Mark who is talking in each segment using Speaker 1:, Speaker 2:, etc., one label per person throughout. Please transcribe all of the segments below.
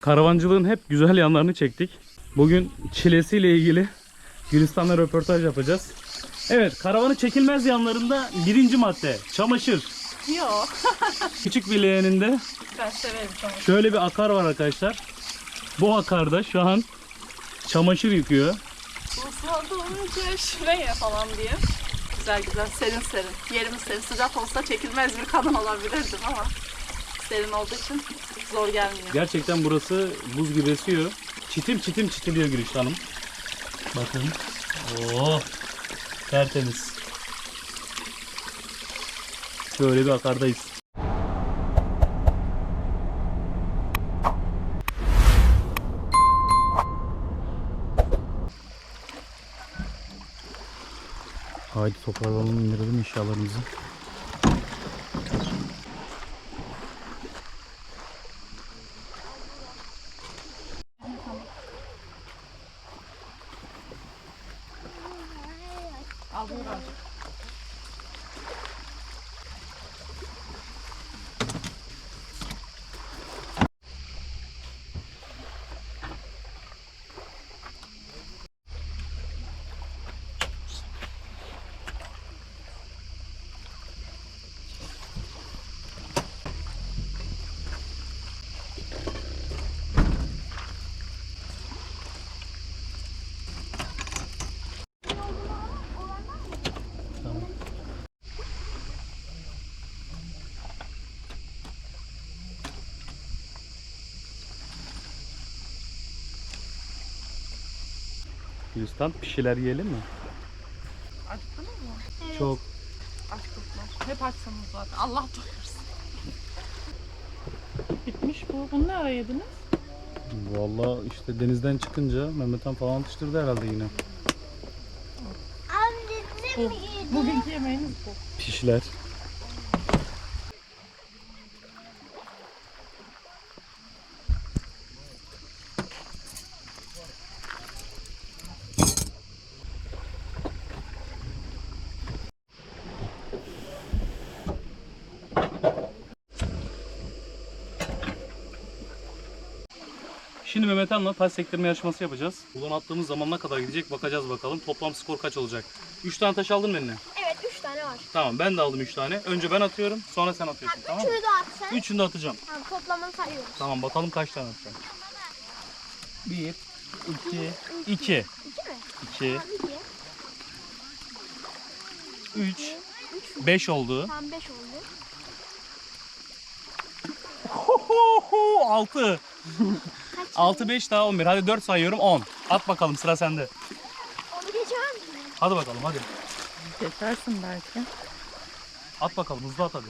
Speaker 1: Karavancılığın hep güzel yanlarını çektik. Bugün çilesiyle ilgili Gülistan'la röportaj yapacağız. Evet, karavanın çekilmez yanlarında birinci madde çamaşır.
Speaker 2: Yok.
Speaker 1: Küçük bir leğeninde
Speaker 2: Ben severim çamaşır.
Speaker 1: şöyle bir akar var arkadaşlar. Bu akarda şu an çamaşır yıkıyor.
Speaker 2: Usladım çeşmeye falan diye. Güzel güzel serin serin. Yerimiz serin. Sıcak olsa çekilmez bir kadın olabilirdim ama serin olduğu için zor gelmiyor.
Speaker 1: Gerçekten burası buz gibi esiyor. Çitim çitim çitiliyor Gülüşte Hanım. Bakın. Oo, tertemiz. Şöyle bir akardayız. Haydi toparlanalım, indirelim eşyalarımızı.
Speaker 2: Al buyur abi.
Speaker 1: Gülistan, bir şeyler yiyelim mi?
Speaker 2: Acıktınız mı?
Speaker 1: Çok.
Speaker 2: Açtıklar. Hep açsanız zaten. Allah doyursun. Bitmiş bu. Bunu ne ara yediniz?
Speaker 1: Vallahi işte denizden çıkınca Mehmet Han falan atıştırdı herhalde yine.
Speaker 2: Bu. Bugünkü yemeğiniz bu.
Speaker 1: Pişler. Şimdi Mehmet Han'la taş sektirme yarışması yapacağız. Buradan attığımız zaman ne kadar gidecek bakacağız bakalım. Toplam skor kaç olacak? 3 tane taş aldın mı eline?
Speaker 3: Evet 3 tane var.
Speaker 1: Tamam, ben de aldım 3 tane. Önce ben atıyorum, sonra sen atıyorsun, tamam mı?
Speaker 3: Üçünü de atsan.
Speaker 1: Üçünü de atacağım.
Speaker 3: Tamam, toplamını sayıyoruz.
Speaker 1: Tamam, bakalım kaç tane atacağım. 1, 2, 2,
Speaker 3: 2 mi?
Speaker 1: 2,
Speaker 3: Tamam 2.
Speaker 1: 3, 5 oldu.
Speaker 3: Tamam 5 oldu.
Speaker 1: 6.
Speaker 3: Kaç?
Speaker 1: 6, 5 daha 11. Hadi 4 sayıyorum, 10. At bakalım, sıra sende.
Speaker 3: Onu geçemem mi?
Speaker 1: Hadi bakalım, hadi.
Speaker 2: Geçersin belki.
Speaker 1: At bakalım, hızlı at hadi.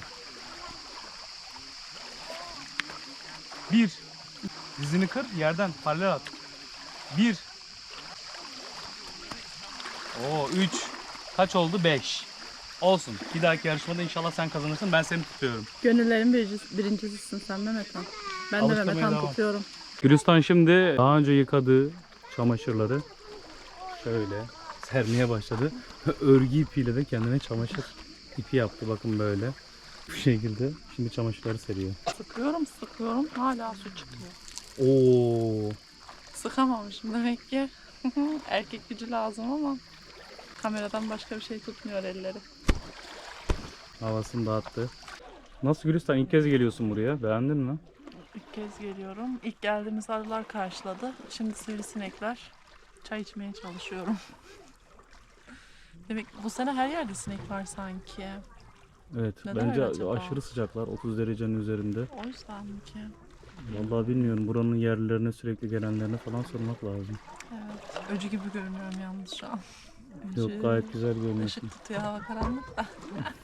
Speaker 1: 1. Dizini kır, yerden paralel at. 1. Oo, 3. Kaç oldu? 5. Olsun. Bir dahaki yarışmada inşallah sen kazanırsın. Ben seni tutuyorum.
Speaker 2: Gönüllerin birincisisin sen Mehmet Han. Ben de
Speaker 1: Alıştırmaya
Speaker 2: Mehmet Han
Speaker 1: devam.
Speaker 2: tutuyorum.
Speaker 1: Gülistan şimdi daha önce yıkadığı çamaşırları şöyle sermeye başladı. Örgü ipiyle de kendine çamaşır ipi yaptı. Bakın böyle. Bu şekilde. Şimdi çamaşırları seriyor.
Speaker 2: Sıkıyorum hala su çıkıyor.
Speaker 1: Oo.
Speaker 2: Sıkamamışım demek ki. Erkek gücü lazım ama kameradan başka bir şey tutmuyor elleri.
Speaker 1: Havasını dağıttı. Nasıl Gülistan? İlk kez geliyorsun buraya. Beğendin mi?
Speaker 2: İlk kez geliyorum. İlk geldiğimiz arılar karşıladı. Şimdi sivrisinekler. Çay içmeye çalışıyorum. Demek bu sene her yerde sinek var sanki.
Speaker 1: Evet.
Speaker 2: Neden
Speaker 1: bence
Speaker 2: öyle acaba?
Speaker 1: aşırı sıcaklar. 30 derecenin üzerinde.
Speaker 2: O yüzden mi ki?
Speaker 1: Vallahi bilmiyorum. Buranın yerlilerine sürekli gelenlerine falan sormak lazım.
Speaker 2: Evet. Öcü gibi görünüyorum yalnız şu an.
Speaker 1: Yok, gayet güzel görünüyorsun.
Speaker 2: Işık tutuyor, hava karanlık da.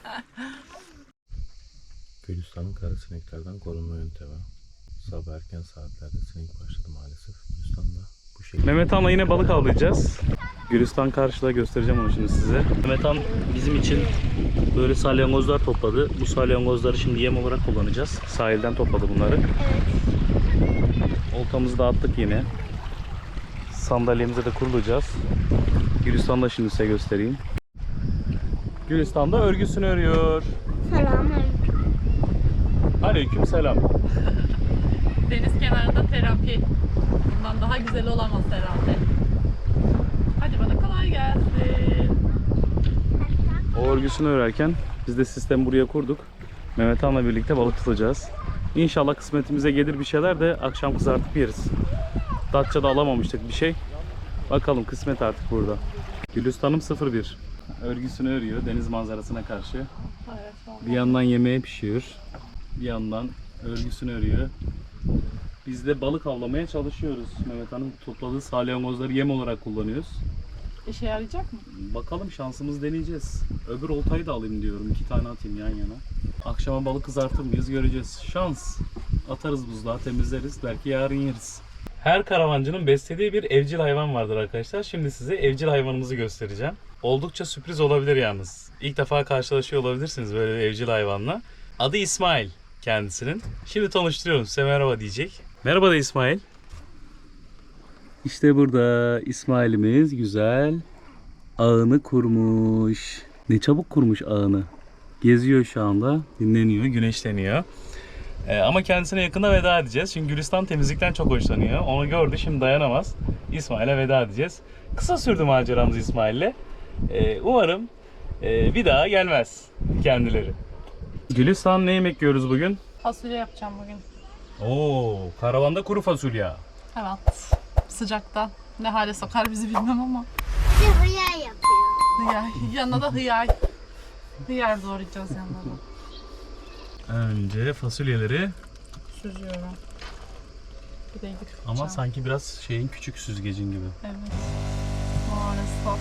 Speaker 4: Gülistan'ın kara sineklerden korunma yöntemi. Sabah erken saatlerde sinek başladı maalesef. Gülistan'da bu şekilde.
Speaker 1: Mehmet Han'la yine balık avlayacağız. Gülistan karşıda, göstereceğim onu şimdi size. Mehmet Han bizim için böyle salyangozlar topladı. Bu salyangozları şimdi yem olarak kullanacağız. Sahilden topladı bunları.
Speaker 3: Evet.
Speaker 1: Oltamızı da attık yine. Sandalyemize de kurulacağız. Gülistan'ı da şimdi size göstereyim. Gülistan da örgüsünü örüyor.
Speaker 3: Selamünaleyküm.
Speaker 1: Aleyküm selam.
Speaker 2: Deniz kenarında terapi. Bundan daha güzel olamaz herhalde. Hadi bana kolay gelsin.
Speaker 1: O örgüsünü örerken biz de sistemi buraya kurduk. Mehmet Han'la birlikte balık tutacağız. İnşallah kısmetimize gelir bir şeyler de akşam kızartıp yeriz. Datça'da alamamıştık bir şey. Bakalım kısmet artık burada. Gülistan'ım 01. Örgüsünü örüyor deniz manzarasına karşı.
Speaker 2: Evet,
Speaker 1: Bir yandan yemeği pişiyor. Bir yandan örgüsünü örüyor. Biz de balık avlamaya çalışıyoruz. Mehmet Han'ın topladığı salyangozları yem olarak kullanıyoruz.
Speaker 2: İşe yarayacak mı?
Speaker 1: Bakalım şansımız deneyeceğiz. Öbür oltayı da alayım diyorum. 2 tane atayım yan yana. Akşama balık kızartır mıyız göreceğiz. Şans. Atarız buzluğa, temizleriz. Belki yarın yeriz. Her karavancının beslediği bir evcil hayvan vardır arkadaşlar. Şimdi size evcil hayvanımızı göstereceğim. Oldukça sürpriz olabilir yalnız. İlk defa karşılaşıyor olabilirsiniz böyle bir evcil hayvanla. Adı İsmail kendisinin. Şimdi tanıştırıyorum size, merhaba diyecek. Merhaba da İsmail. İşte burada İsmail'imiz güzel ağını kurmuş. Ne çabuk kurmuş ağını. Geziyor şu anda, dinleniyor, güneşleniyor. Ama kendisine yakında veda edeceğiz. Çünkü Gülistan temizlikten çok hoşlanıyor. Onu gördü, şimdi dayanamaz. İsmail'e veda edeceğiz. Kısa sürdü maceramız İsmail'le. Umarım bir daha gelmez kendileri. Gülistan, ne yemek yiyoruz bugün?
Speaker 2: Fasulye yapacağım bugün.
Speaker 1: Oo, karavanda kuru fasulye.
Speaker 2: Evet. Sıcakta. Ne hale sokar bizi bilmem ama.
Speaker 3: Bir de hıyar yapıyor.
Speaker 2: Hıyar. Yanına da hıyar. Hıyar doğrayacağız yanına da.
Speaker 1: Önce fasulyeleri,
Speaker 2: Süzüyorum. Bir de gidip
Speaker 1: ama sanki biraz şeyin küçük süzgecin gibi.
Speaker 2: Evet. Maalesef.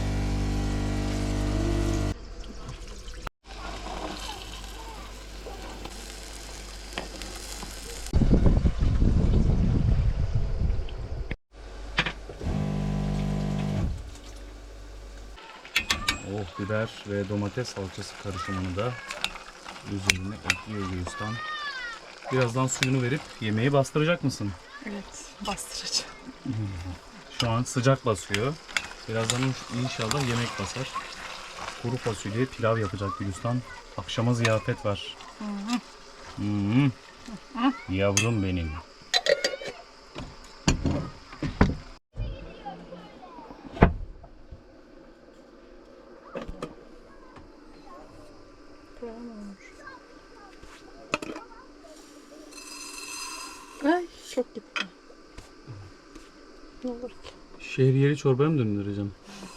Speaker 1: Oh, biber ve domates salçası karışımını da üzerine ekliyor Gülistan. Birazdan suyunu verip yemeği bastıracak mısın?
Speaker 2: Evet. Bastıracağım.
Speaker 1: Şu an sıcak basıyor. Birazdan inşallah yemek basar. Kuru fasulye pilav yapacak Gülistan. Akşama ziyafet var. Yavrum benim.
Speaker 2: Ay çok gitti. Ne olur ki?
Speaker 1: Şehriyeli çorbaya mı döndüreceğim?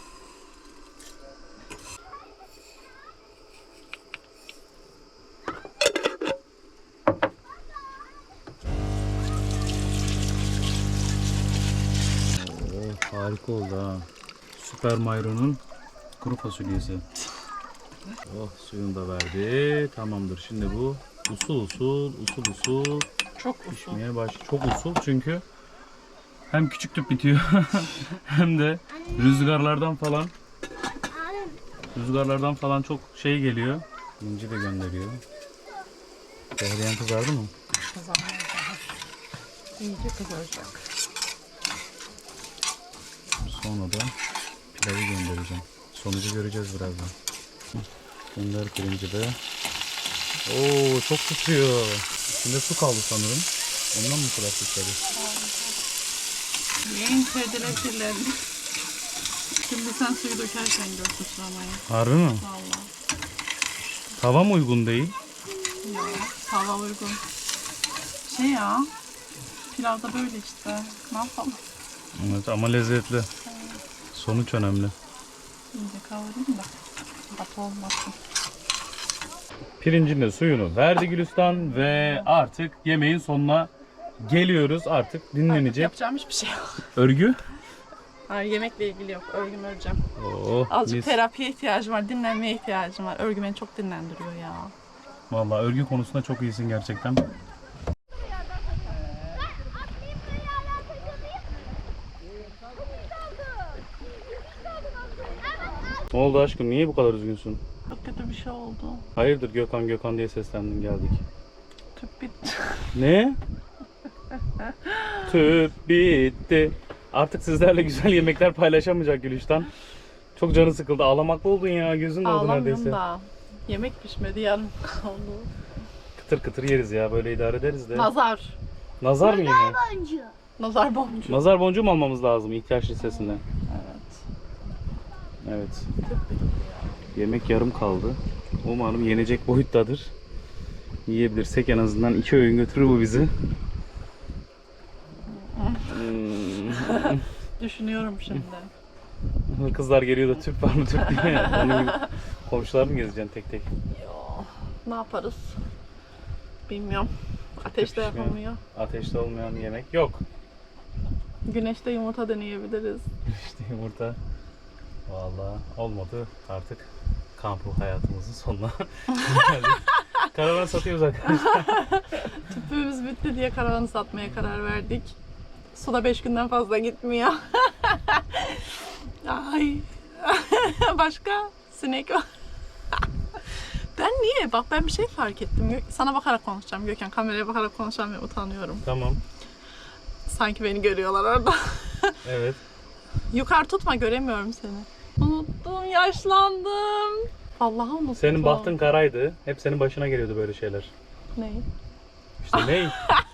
Speaker 1: Oh, harika oldu ha. Süper Mayro'nun kuru fasulyesi. Oh, suyunu da verdi. Tamamdır. Şimdi bu usul usul
Speaker 2: Çok usul.
Speaker 1: pişmeye başlıyor. Çok usul çünkü hem küçük tüp bitiyor hem de rüzgarlardan falan çok şey geliyor. İnci de gönderiyor. Şehriyen kızardı mı?
Speaker 2: Kızarmaya daha. İyice kızaracak.
Speaker 1: Sonra da pilavı göndereceğim. Sonucu göreceğiz birazdan. Gönder pirinci de. Oo, çok tutuyor. İçinde su kaldı sanırım. Ondan mı bu kadar tutuyor?
Speaker 2: Yiyin kediler kirlendi. Şimdi sen suyu dökerken gör sıçramayı.
Speaker 1: Harbi mi?
Speaker 2: Vallahi.
Speaker 1: Tava mı uygun değil?
Speaker 2: Ya, tava uygun. Şey ya, pilavda böyle işte. Ne yapalım?
Speaker 1: Evet, ama lezzetli. Sonuç önemli.
Speaker 2: İyice kavurayım da batı olmasın.
Speaker 1: Pirincin de suyunu verdi Gülistan ve artık yemeğin sonuna geliyoruz. Artık dinlenecek.
Speaker 2: Yapacağım hiçbir şey yok.
Speaker 1: Örgü.
Speaker 2: Hayır, yemekle ilgili yok. Örgümü öreceğim.
Speaker 1: Oh,
Speaker 2: Azıcık
Speaker 1: mis.
Speaker 2: terapiye ihtiyacım var, dinlenmeye ihtiyacım var. Örgü beni çok dinlendiriyor ya.
Speaker 1: Vallahi örgü konusunda çok iyisin gerçekten. Ne oldu aşkım? Niye bu kadar üzgünsün?
Speaker 2: Çok kötü bir şey oldu.
Speaker 1: Hayırdır Gökhan diye seslendin, geldik.
Speaker 2: Tüp bitti.
Speaker 1: Ne? Tüp bitti. Artık sizlerle güzel yemekler paylaşamayacak Gülistan. Çok canı sıkıldı. Ağlamaklı oldun ya. Gözün doldu
Speaker 2: Ağlamıyorum
Speaker 1: neredeyse.
Speaker 2: da. Yemek pişmedi, yarım kaldı.
Speaker 1: Kıtır kıtır yeriz ya. Böyle idare ederiz de.
Speaker 2: Nazar.
Speaker 1: Nazar mı yine?
Speaker 3: Boncuğu.
Speaker 2: Nazar boncuğu.
Speaker 1: Nazar boncuğu mu almamız lazım ihtiyaç listesinden?
Speaker 2: Evet.
Speaker 1: Evet. Yemek yarım kaldı. Umarım yenecek boyuttadır. Yiyebilirsek en azından 2 öğün götürür bu bizi.
Speaker 2: Düşünüyorum şimdi.
Speaker 1: Kızlar geliyor da tüp var mı tüp diye. Onun gibi komşular mı gezeceksin tek tek?
Speaker 2: Yo, ne yaparız? Bilmiyorum. Ateşte
Speaker 1: Pişmiyor.
Speaker 2: yapamıyor.
Speaker 1: Ateşte olmayan yemek yok.
Speaker 2: Güneşte yumurta deneyebiliriz.
Speaker 1: İşte yumurta. Vallahi olmadı artık kampı hayatımızın sonuna geldik. Karavan satıyoruz arkadaşlar.
Speaker 2: Tüpümüz bitti diye karavanı satmaya karar verdik. Suda 5 günden fazla gitmiyor. Ay. Başka sinek var. Ben niye? Bak ben bir şey fark ettim. Sana bakarak konuşacağım Gökhan. Kameraya bakarak konuşacağım ve utanıyorum.
Speaker 1: Tamam.
Speaker 2: Sanki beni görüyorlar orada.
Speaker 1: Evet.
Speaker 2: Yukarı tutma, göremiyorum seni. Unuttum, yaşlandım. Vallahi unuttum.
Speaker 1: Senin bahtın karaydı. Hep senin başına geliyordu böyle şeyler.
Speaker 2: Ne?
Speaker 1: İşte ney?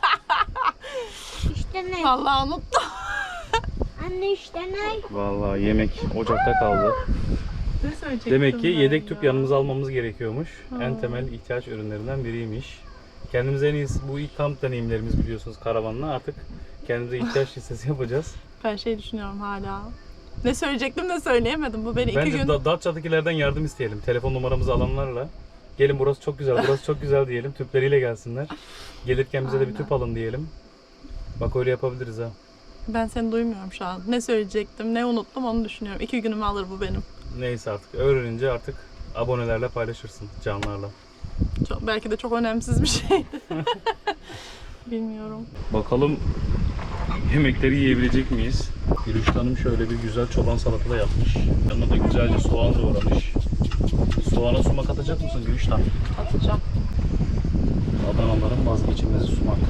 Speaker 3: İşte ne?
Speaker 2: Vallahi unuttum.
Speaker 3: Anne işte ne?
Speaker 1: Vallahi yemek ocakta kaldı.
Speaker 2: Ne söyleyecektim
Speaker 1: Demek ki
Speaker 2: ben
Speaker 1: yedek tüp
Speaker 2: ya?
Speaker 1: yanımıza almamız gerekiyormuş. En temel ihtiyaç ürünlerinden biriymiş. Kendimize en iyisi bu ilk kamp deneyimlerimiz biliyorsunuz karavanla. Artık kendimize ihtiyaç listesi yapacağız.
Speaker 2: Ben şey düşünüyorum hala. Ne söyleyecektim de söyleyemedim. Bu beni 2
Speaker 1: Bence
Speaker 2: gün...
Speaker 1: Datça'dakilerden yardım isteyelim. Telefon numaramızı alanlarla. Gelin burası çok güzel, burası çok güzel diyelim. Tüpleriyle gelsinler. Gelirken bize de bir
Speaker 2: Aynen.
Speaker 1: tüp alın diyelim. Bak öyle yapabiliriz ha.
Speaker 2: Ben seni duymuyorum şu an. Ne söyleyecektim, ne unuttum onu düşünüyorum. 2 günümü alır bu benim.
Speaker 1: Neyse artık öğrenince artık abonelerle paylaşırsın canlarla.
Speaker 2: Belki de çok önemsiz bir şeydi. Bilmiyorum.
Speaker 1: Bakalım yemekleri yiyebilecek miyiz? Gülüşte Hanım şöyle bir güzel çoban salata da yapmış. Yanına da güzelce soğan doğramış. Soğana sumak atacak mısın Gülüşte Hanım?
Speaker 2: Atacağım.
Speaker 1: Adanaların vazgeçilmezi sumak.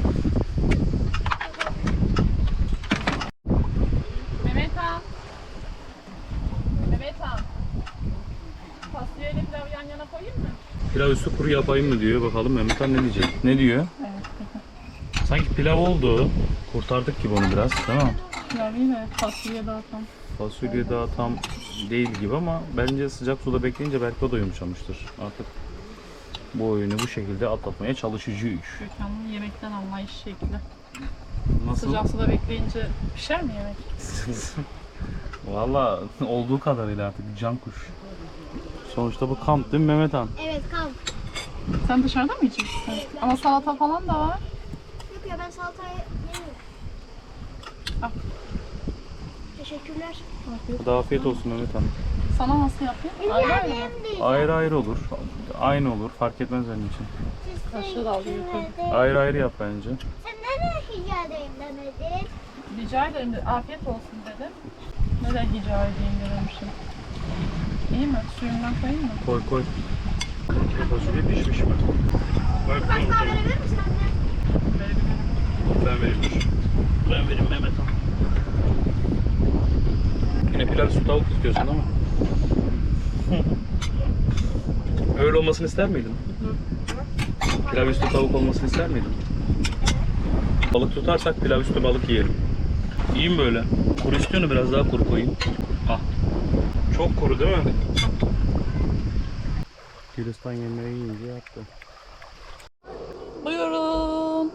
Speaker 2: Mehmet Han. Mehmet Han. Fasulyeyle pilavı yan yana koyayım mı?
Speaker 1: Pilav üstü kuru yapayım mı diyor. Bakalım Mehmet Han ne diyecek? Ne diyor?
Speaker 2: Evet.
Speaker 1: Sanki pilav oldu. Kurtardık gibi onu biraz, değil mi?
Speaker 2: Pilav yine fasulye daha tam.
Speaker 1: Fasulye daha tam değil gibi ama bence sıcak suda bekleyince belki o da yumuşamıştır. Artık bu oyunu bu şekilde atlatmaya çalışacağız.
Speaker 2: Gökhan'ın yemekten anlayış şekli.
Speaker 1: Nasıl?
Speaker 2: Sıcak suda bekleyince pişer mi yemek?
Speaker 1: Valla olduğu kadarıyla artık can kuş. Sonuçta bu kamp değil mi Mehmet Han?
Speaker 3: Evet kamp.
Speaker 2: Sen dışarıda mı yiyeceksin? Ama salata falan da var.
Speaker 3: Yok ya ben salatayı yemiyorum.
Speaker 2: Al.
Speaker 3: Teşekkürler.
Speaker 1: Hadi afiyet olsun Mehmet Han.
Speaker 2: Sana nasıl yapayım? Ayrı ayrı mı?
Speaker 1: Ayrı ayrı olur. Aynı olur. Fark etmez benim için.
Speaker 2: Kaşığı da alıyor yukarı.
Speaker 1: Ayrı ayrı yap bence.
Speaker 3: Sen neden rica edeyim demedin?
Speaker 2: Rica ederim de afiyet olsun dedim. Neden rica edeyim dememişim. İyi mi? Suyundan koyayım mı?
Speaker 1: Koy koy. Fasulye pişmiş mi?
Speaker 3: Kaç tane verir misin anne?
Speaker 1: Ben vereyim dur. Ben vereyim Mehmet Han. Yine pilav su tavuk istiyorsun ama. Öyle olmasını ister miydin? Pilav üstü tavuk olmasını ister miydin? Balık tutarsak pilav üstü balık yiyelim. İyi mi böyle? Kuru istiyorsun, biraz daha kuru koyayım. Ah. Çok kuru değil mi? Gülistan yemeği yiyince yaptı.
Speaker 2: Buyurun.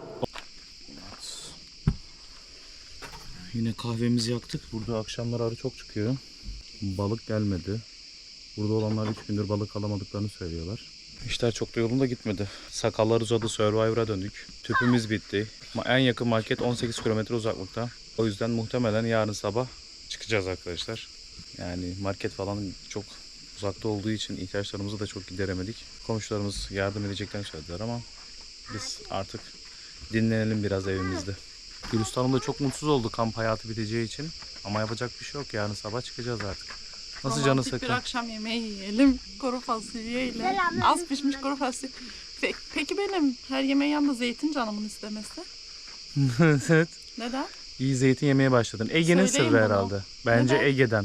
Speaker 1: Yine kahvemizi yaktık. Burada akşamlar arı çok çıkıyor. Balık gelmedi. Burada olanlar 3 gündür balık alamadıklarını söylüyorlar. İşler çok da yolunda gitmedi. Sakallar uzadı, Survivor'a döndük. Tüpümüz bitti. En yakın market 18 kilometre uzaklıkta. O yüzden muhtemelen yarın sabah çıkacağız arkadaşlar. Yani market falan çok uzakta olduğu için ihtiyaçlarımızı da çok gideremedik. Komşularımız yardım edeceklerini söylediler ama biz artık dinlenelim biraz evimizde. Gülistan Hanım da çok mutsuz oldu kamp hayatı biteceği için. Ama yapacak bir şey yok. Yarın sabah çıkacağız artık. Nasıl canı
Speaker 2: Romantik
Speaker 1: sıkkın?
Speaker 2: bir akşam yemeği yiyelim. Kuru fasulyeyle.
Speaker 3: Selam.
Speaker 2: Az pişmiş kuru fasulye. Peki benim her yemeğin yanında zeytin canımın istemesi?
Speaker 1: Evet.
Speaker 2: Neden?
Speaker 1: İyi zeytin yemeye başladın. Ege'nin
Speaker 2: Söyleyin
Speaker 1: sırrı
Speaker 2: bunu.
Speaker 1: herhalde. Bence
Speaker 2: Neden?
Speaker 1: Ege'den.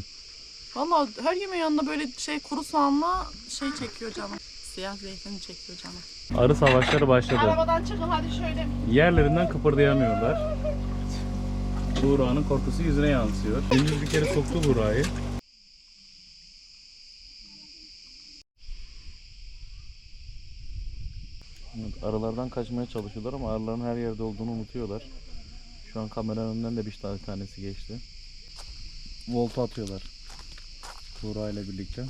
Speaker 2: Valla her yemeğin yanında böyle kuru soğanla çekiyor canım. Siyah zeytin çekiyor canım.
Speaker 1: Arı savaşları başladı.
Speaker 2: Arabadan çıkın hadi şöyle.
Speaker 1: Yerlerinden kıpırdayamıyorlar. Buğra'nın korkusu yüzüne yansıyor. Gündüz bir kere soktu Buğra'yı. Evet, arılardan kaçmaya çalışıyorlar ama arıların her yerde olduğunu unutuyorlar. Şu an kameranın önünden de bir tanesi geçti. Volta atıyorlar. Buğra ile birlikte.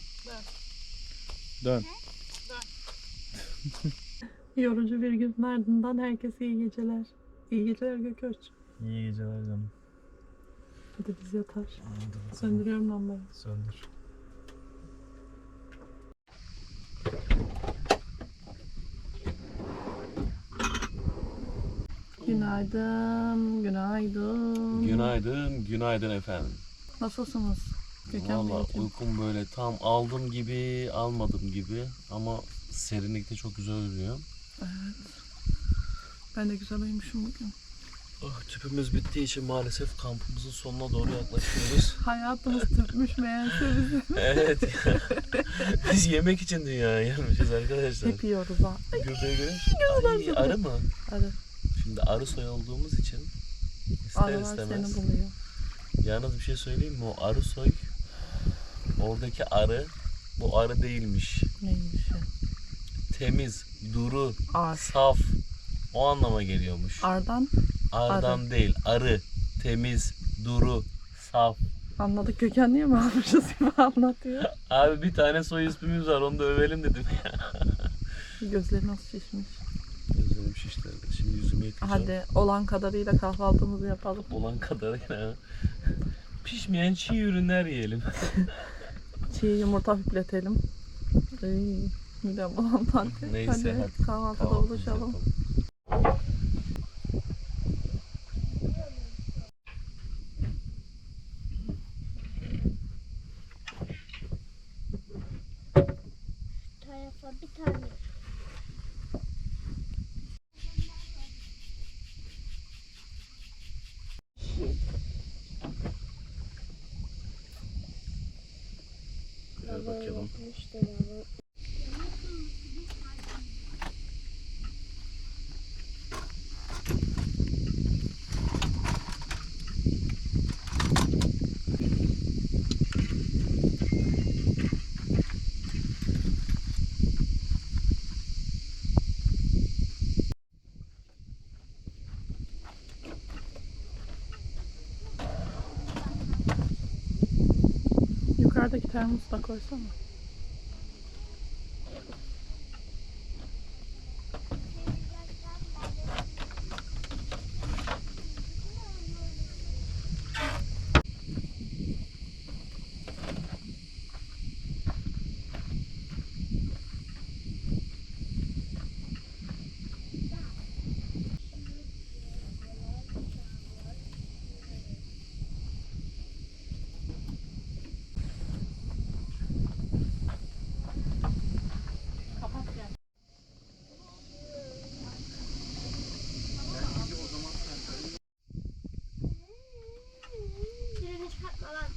Speaker 1: Dön.
Speaker 2: Yorucu bir günün ardından herkese iyi geceler. İyi geceler Gököç.
Speaker 1: İyi geceler canım.
Speaker 2: Hadi biz yatar. Söndürüyorum lambayı.
Speaker 1: Söndür.
Speaker 2: Günaydın, günaydın.
Speaker 4: Günaydın, günaydın efendim.
Speaker 2: Nasılsınız Gökhan
Speaker 4: Valla
Speaker 2: Beyciğim?
Speaker 4: uykum böyle tam aldım gibi, almadım gibi ama serinlikte çok güzel uyuyor.
Speaker 2: Ben de güzel uyumuşum bugün.
Speaker 4: Tüpümüz bittiği için maalesef kampımızın sonuna doğru yaklaşıyoruz.
Speaker 2: Hayatımız tüpmüş meğerse bizi.
Speaker 4: Evet. Biz yemek için dünyaya gelmişiz arkadaşlar.
Speaker 2: Hep yiyoruz ha.
Speaker 4: Göbeği görüyor musun? Ay, arı mı?
Speaker 2: Hadi.
Speaker 4: Şimdi arı soy olduğumuz için ister
Speaker 2: Arılar
Speaker 4: istemez.
Speaker 2: seni buluyor.
Speaker 4: Yalnız bir şey söyleyeyim mi? O arı soy, oradaki arı bu arı değilmiş.
Speaker 2: Neymiş ya?
Speaker 4: Temiz, duru,
Speaker 2: Ar.
Speaker 4: saf o anlama geliyormuş.
Speaker 2: Ardan
Speaker 4: Arıdan değil, arı, temiz, duru, saf.
Speaker 2: anladık. Gökhan niye mi almışız gibi anlatıyor.
Speaker 4: Abi bir tane soy ismimiz var, onu da övelim dedim.
Speaker 2: Gözleri nasıl şişmiş.
Speaker 4: Gözlerim şişti. Şimdi yüzümü yıkayacağım.
Speaker 2: Hadi olan kadarıyla kahvaltımızı yapalım.
Speaker 4: Olan kadarıyla. Pişmeyen çiğ ürünler yiyelim.
Speaker 2: Çiğ yumurta hüpletelim. Midem bulandı.
Speaker 4: Neyse,
Speaker 2: Hadi kahvaltıda
Speaker 4: Kahvaltımızı
Speaker 2: buluşalım.
Speaker 4: yapalım.
Speaker 3: Tarafa bir tane.
Speaker 4: Şöyle bakalım.
Speaker 2: Yukarıdaki termosu da koysana.
Speaker 3: Birini çıkartma lan.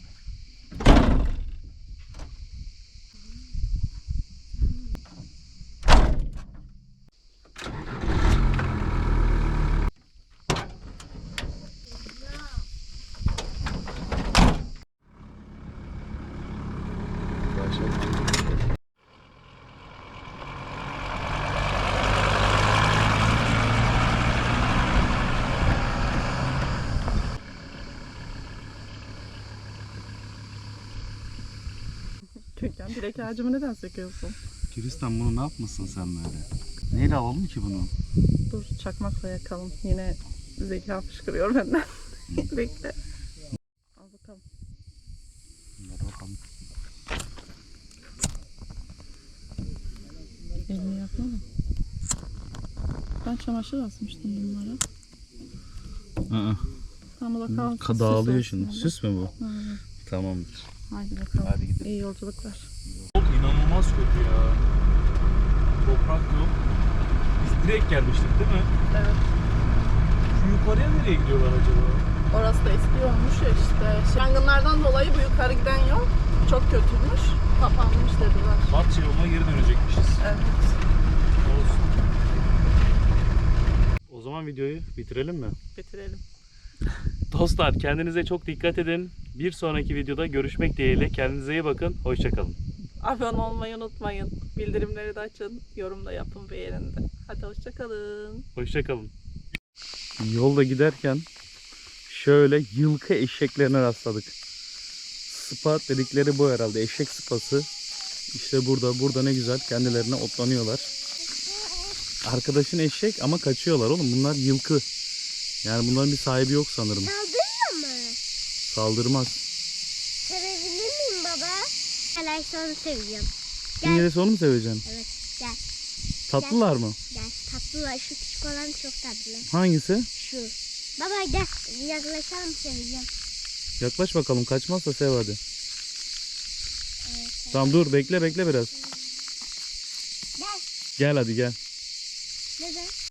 Speaker 2: Gökhan direk ağacımı neden söküyorsun?
Speaker 1: Gülistan bunu ne yapmasın sen böyle? Neyle alalım ki bunu?
Speaker 2: Dur çakmakla yakalım. Yine zeka fışkırıyor benden. Bekle. Al bakalım.
Speaker 1: Hadi bakalım.
Speaker 2: Elini yakma mı? Ben çamaşır asmıştım bunlara. Tam da kalsın.
Speaker 1: Dağılıyor
Speaker 2: süs
Speaker 1: şimdi.
Speaker 2: olsun.
Speaker 1: Süs mü bu?
Speaker 2: Hı.
Speaker 1: Tamamdır.
Speaker 2: Haydi bakalım.
Speaker 1: Hadi gidelim.
Speaker 2: İyi yolculuklar.
Speaker 1: İnanılmaz kötü ya. Toprak yok. Biz direkt gelmiştik değil mi?
Speaker 2: Evet.
Speaker 1: Şu yukarıya nereye gidiyorlar acaba?
Speaker 2: Orası da eski olmuş ya işte. Yangınlardan dolayı bu yukarı giden yol çok kötüymüş. Kapanmış dediler.
Speaker 1: Batça yoluna geri dönecekmişiz.
Speaker 2: Evet.
Speaker 1: zaman videoyu bitirelim mi?
Speaker 2: Bitirelim.
Speaker 1: Dostlar kendinize çok dikkat edin. Bir sonraki videoda görüşmek dileğiyle. Kendinize iyi bakın. Hoşçakalın.
Speaker 2: Abone olmayı unutmayın. Bildirimleri de açın. Yorum da yapın beğenin de. Hadi hoşçakalın.
Speaker 1: Hoşçakalın. Yolda giderken şöyle yılkı eşeklerine rastladık. Sıpa dedikleri bu herhalde. Eşek sıpası. İşte burada ne güzel kendilerine otlanıyorlar. Arkadaşın eşek ama kaçıyorlar oğlum. Bunlar yılkı. Yani bunların bir sahibi yok sanırım.
Speaker 3: Saldırıyor mu?
Speaker 1: Saldırmaz.
Speaker 3: Sevebilir miyim baba? Arkadaşlar onu seviyorum.
Speaker 1: İngiliz onu mu seveceksin?
Speaker 3: Evet gel
Speaker 1: Tatlılar mı?
Speaker 3: gel. Tatlılar şu küçük olan çok tatlı.
Speaker 1: Hangisi?
Speaker 3: Şu. Baba gel yaklaşalım seveceğim.
Speaker 1: Yaklaş bakalım. Kaçmazsa sev hadi.
Speaker 3: Evet.
Speaker 1: Tamam dur bekle biraz.
Speaker 3: Gel.
Speaker 1: Gel hadi gel.
Speaker 3: Neden?